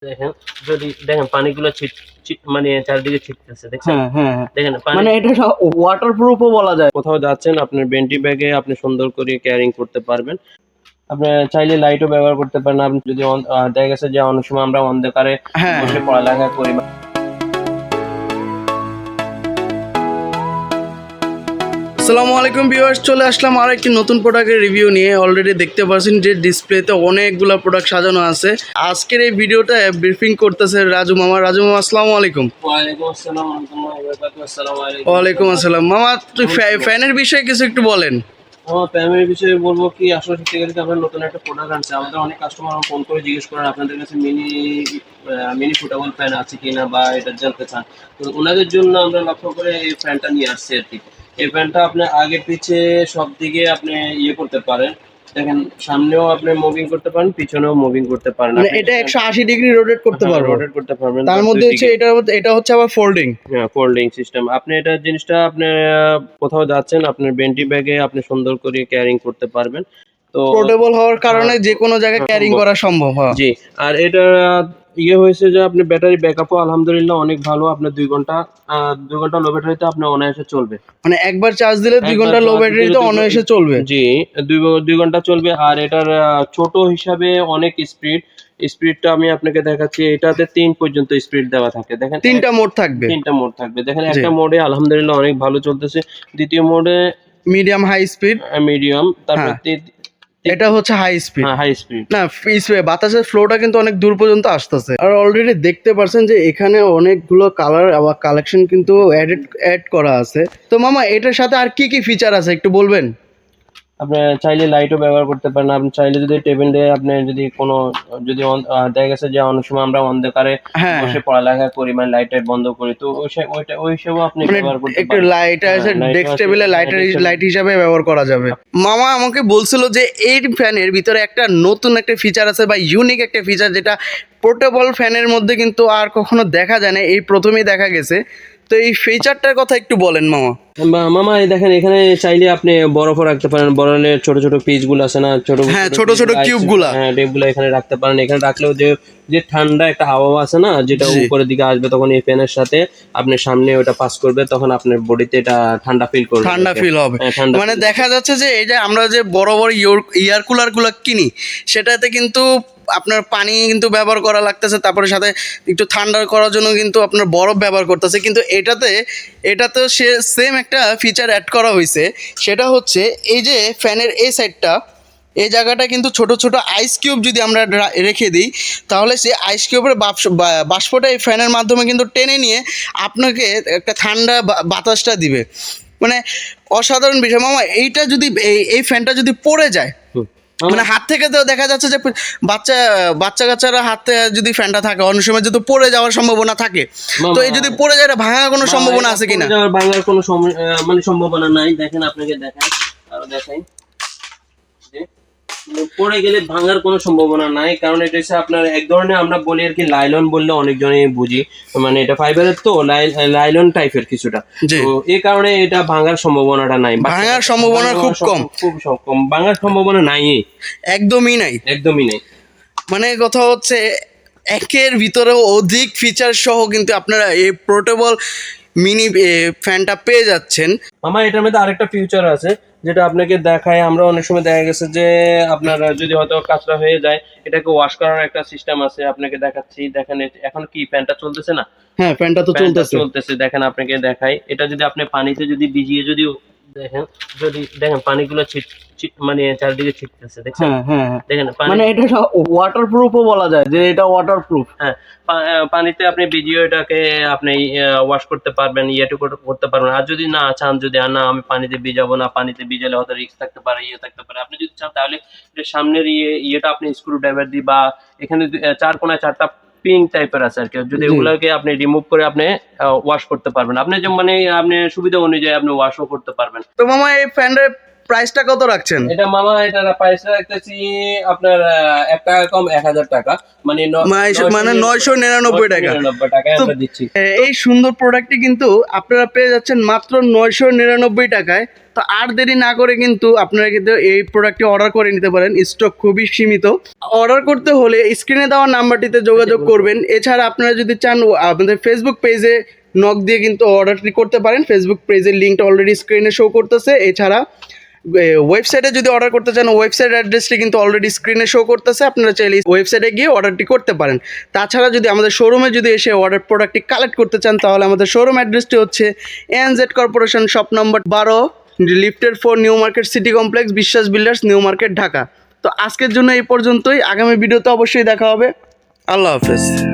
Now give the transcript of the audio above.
দেখেন, যদি দেখেন পানিগুলো মানে চারিদিকে ছিটতেছে, দেখছেন? হ্যাঁ হ্যাঁ হ্যাঁ। দেখেন মানে এটা ওয়াটারপ্রুফও বলা যায়। কোথাও যাচ্ছেন আপনার বেন্টি ব্যাগে আপনি সুন্দর করে ক্যারিং করতে পারবেন। আপনি চাইলে লাইটও ব্যবহার করতে পারেন। আপনি যদি দেখা গেছে যে অনেক সময় আমরা অন্ধকারে হ্যাঁ বসে পড়ালেখা করি। আসসালামু আলাইকুম ভিউয়ার্স, চলে আসলাম আর একটি নতুন প্রোডাক্টের রিভিউ নিয়ে। অলরেডি দেখতে পাচ্ছেন যে ডিসপ্লেতে অনেকগুলো প্রোডাক্ট সাজানো আছে। আজকের এই ভিডিওটা ব্রিফিং করতেছে রাজু মামা। রাজু মামা, আসসালামু আলাইকুম। ওয়ালাইকুম আসসালাম ওয়া রাহমাতুল্লাহি ওয়া বারাকাতুহু। আসসালামু আলাইকুম। ওয়ালাইকুম আসসালাম। মামা, তুই ফ্যানের বিষয়ে কিছু একটু বলেন। আমার ফ্যামিলির বিষয়ে বলবো কি, আসলে সত্যি কথা আমরা নতুন একটা প্রোডাক্ট আনছি। আমাদের অনেক কাস্টমার ফোন করে জিজ্ঞেস করেন আপনাদের কাছে মিনি ফুটেবল ফ্যান আছে কিনা বা এটা জানতে চান। তো ওনাদের জন্য আমরা লক্ষ্য করে এই ফ্যানটা নিয়ে আসছি আর কি। এই ফ্যানটা আপনি আগে পিছে সব দিকে আপনি ইয়ে করতে পারেন। দেখেন, সামনেও আপনি মুভিং করতে পারেন, পিছনেও মুভিং করতে পারেন। মানে এটা 180 ডিগ্রি রোটেট করতে পারবো। রোটেট করতে পারবেন। তার মধ্যে হচ্ছে এটা হচ্ছে আবার ফোল্ডিং। হ্যাঁ, ফোল্ডিং সিস্টেম। আপনি এটা জিনিসটা আপনি কোথাও যাচ্ছেন আপনার বেন্টি ব্যাগে আপনি সুন্দর করে ক্যারিং করতে পারবেন। তো পোর্টেবল হওয়ার কারণে যে কোনো জায়গায় ক্যারিং সম্ভব। করা সম্ভব হয়। জি। আর এটা ইয়ে হয়েছে যে আপনি ব্যাটারি ব্যাকআপও আলহামদুলিল্লাহ অনেক ভালো। আপনার 2 ঘন্টা 2 ঘন্টা লো ব্যাটারিতে আপনার অনায়াসে চলবে। মানে একবার চার্জ দিলে 2 একবার ঘন্টা লো চার্জ দিলে ব্যাটারিতে অনায়াসে চলবে। জি, 2 ঘন্টা চলবে। আর এটার ছোট হিসাবে অনেক স্পিডটা আমি আপনাকে দেখাচ্ছি। এটাতে 3 পর্যন্ত স্পিড দেওয়া থাকে। দেখেন, 3টা মোড থাকবে। 3টা মোড থাকবে। দেখেন, জি। একটা মোডে আলহামদুলিল্লাহ অনেক ভালো চলতেছে। দ্বিতীয় মোডে মিডিয়াম হাই স্পিড। মিডিয়াম। তারপর হ্যাঁ, এটা হচ্ছে হাই স্পিড। হ্যাঁ, হাই স্পিড। না, বাতাসের ফ্লোটা কিন্তু অনেক দূর পর্যন্ত আসতেছে। আর অলরেডি দেখতে পারছেন যে এখানে অনেকগুলো কালার আবার কালেকশন কিন্তু অ্যাড করা আছে। তো মামা, এটার সাথে আর কি কি ফিচার আছে একটু বলবেন? আপনি চাইলে লাইটও ব্যবহার করতে পারেন। আপনি চাইলে যদি টেবিলে আপনি যদি কোনো যদি দেখা গেছে যে অনেক সময় আমরা অন্ধকারে হ্যাঁ, বসে পড়ালেখা করি, মানে লাইট টাইট বন্ধ করি, তো ওই হিসেবেও আপনি মানে ব্যবহার করতে একটু পারেন। লাইট আছে, লাইটও ডেস্ক আছে, টেবিলে লাইট হিসাবে ব্যবহার করা যাবে। মামা আমাকে বলছিল যে এই ফ্যানের ভিতরে একটা নতুন একটা ফিচার আছে বা ইউনিক একটা ফিচার, যেটা পোর্টেবল ফ্যানের মধ্যে কিন্তু আর কখনো দেখা যায় না, এই প্রথমেই দেখা গেছে। তো এই ফিচারটার কথা একটু বলেন মামা। মামা, এই দেখেন, এখানে চাইলে আপনি বরফও রাখতে পারেন। বরফের ছোট ছোট পিস গুলো আছে না, হ্যাঁ, ছোট ছোট কিউব গুলা। হ্যাঁ, টেপগুলো এখানে রাখতে পারেন। এখানে রাখলেও যে যে ঠান্ডা একটা হাওয়া আছে না, যেটা জি। উপরের দিকে আসবে, তখন এই ফ্যানের সাথে আপনার সামনে ওটা পাস করবে, তখন আপনার বডিতে এটা ঠান্ডা ফিল করবে। ঠান্ডা ফিল হবে। হ্যাঁ, ঠান্ডা মানে feel দেখা যাচ্ছে যে এই যে আমরা যে বড় বড় ইয়ার কুলার গুলো কিনি, সেটাতে কিন্তু আপনার পানি কিন্তু ব্যবহার করা লাগতেছে, তারপরে সাথে একটু ঠান্ডা করার জন্য কিন্তু আপনার বরফ ব্যবহার করতেছে। কিন্তু এটাতে সে সেম একটা ফিচার অ্যাড করা হয়েছে। সেটা হচ্ছে এই যে ফ্যানের এই সাইডটা, এই জায়গাটা কিন্তু ছোট ছোট আইস কিউব যদি আমরা রেখে দিই, তাহলে সেই আইস কিউবের বাষ্পটা এই ফ্যানের মাধ্যমে কিন্তু টেনে নিয়ে আপনাকে একটা ঠান্ডা বাতাসটা দিবে। মানে অসাধারণ বিষয় মামা। এইটা যদি এই ফ্যানটা যদি পড়ে যায়, হুম। মানে হাত থেকে তো দেখা যাচ্ছে যে বাচ্চা কাচ্চারা হাতে যদি ফ্যানটা থাকে, অনেক সময় যদি পড়ে যাওয়ার সম্ভাবনা থাকে। তো এই যদি পড়ে যায়, এটা ভাঙার কোনো সম্ভাবনা আছে কিনা? ভাঙার কোনো মানে সম্ভাবনা নাই। দেখেন, আপনাকে দেখাই, আরো দেখাই যে পড়ে গেলে ভাঙার কোনো সম্ভাবনা নাই। কারণ এটা হচ্ছে আপনার এক ধরনের, আমরা বলি আর কি, লাইলন বললে অনেকজনই বুঝি, মানে এটা ফাইবারের, তো লাইলন টাইপের কিছুটা। তো এই কারণে এটা ভাঙার সম্ভাবনাটা নাই। ভাঙার সম্ভাবনা খুব কম। খুব কম। ভাঙার সম্ভাবনা নাই, একদমই নাই। একদমই নাই। মানে কথা হচ্ছে, একের ভিতরেও অধিক ফিচার সহ কিন্তু আপনারা এই পোর্টেবল মিনি ফ্যানটা পেয়ে যাচ্ছেন। আমার এটার মধ্যে আরেকটা ফিউচার আছে, যেটা আপনাকে দেখায়। আমরা অনেক সময় দেখা গেছে যে আপনার যদি হয়তো কাঁচরা হয়ে যায়, এটাকে ওয়াশ করার একটা সিস্টেম আছে। আপনাকে দেখাচ্ছি, দেখেন, এখন কি ফ্যানটা চলতেছে না? হ্যাঁ, ফ্যানটা তো চলতেছে। দেখেন, আপনাকে দেখাই, এটা যদি আপনি পানিতে যদি ভিজিয়ে যদি দেখেন, দেখেন পানিগুলো মানে চারিদিকে ছিটতেছে, দেখছেন? হ্যাঁ হ্যাঁ হ্যাঁ। দেখেন, মানে এটা ওয়াটারপ্রুফও বলা যায়, যে এটা ওয়াটারপ্রুফ। হ্যাঁ, পানিতে আপনি ভিজিয়ে এটাকে আপনি ওয়াশ করতে পারবেন, করতে পারবেন। আর যদি না চান, যদি না আমি পানিতে ভিজাবো না, পানিতে ভিজালে হয়তো রিস্ক থাকতে পারে, থাকতে পারে, আপনি যদি চান তাহলে এটা সামনের ইয়েটা আপনি স্ক্রু ড্রাইভার দিয়ে, বা এখানে 4 কোণায় 4টা পিন টাইপের আছে আর কি, যদি ওগুলোকে আপনি রিমুভ করে আপনি ওয়াশ করতে পারবেন। আপনি যে মানে আপনি সুবিধা অনুযায়ী আপনি ওয়াশও করতে পারবেন। তো মামা, এই ফ্যানের প্রাইসটা কত রাখছেন? এটা মামা এটার প্রাইস রাখতেছি আপনার 1 টাকা কম 1000 টাকা, মানে মানে 999 টাকা 999 টাকায় তো আমরা দিচ্ছি। এই সুন্দর প্রোডাক্টটি কিন্তু আপনারা পেয়ে যাচ্ছেন মাত্র 999 টাকায়। তো আর দেরি না করে কিন্তু আপনারা কিন্তু এই প্রোডাক্টটি অর্ডার করে নিতে পারেন, স্টক খুবই সীমিত। অর্ডার করতে হলে স্ক্রিনে দেওয়া নাম্বারটিতে যোগাযোগ করবেন। এছাড়া আপনারা যদি চান আমাদের ফেসবুক পেজে নক দিয়ে কিন্তু অর্ডারটি করতে পারেন, ফেসবুক পেজের লিঙ্কটা অলরেডি স্ক্রিনে শো করতেছে। এছাড়া ওয়েবসাইটে যদি অর্ডার করতে চান ওয়েবসাইট অ্যাড্রেসটি কিন্তু অলরেডি স্ক্রিনে শো করতেছে, আপনারা চাইলে ওয়েবসাইটে গিয়ে অর্ডারটি করতে পারেন। তাছাড়া যদি আমাদের শোরুমে যদি এসে অর্ডার প্রোডাক্টটি কালেক্ট করতে চান তাহলে আমাদের শোরুম অ্যাড্রেসটি হচ্ছে ANZ কর্পোরেশন শপ নম্বর 12, লিফটের 4, new market city complex, Biswas builders, new market, Dhaka. তো আজকের জন্য এই পর্যন্তই, আগামী ভিডিওতে অবশ্যই দেখা হবে। আল্লাহ হাফেজ।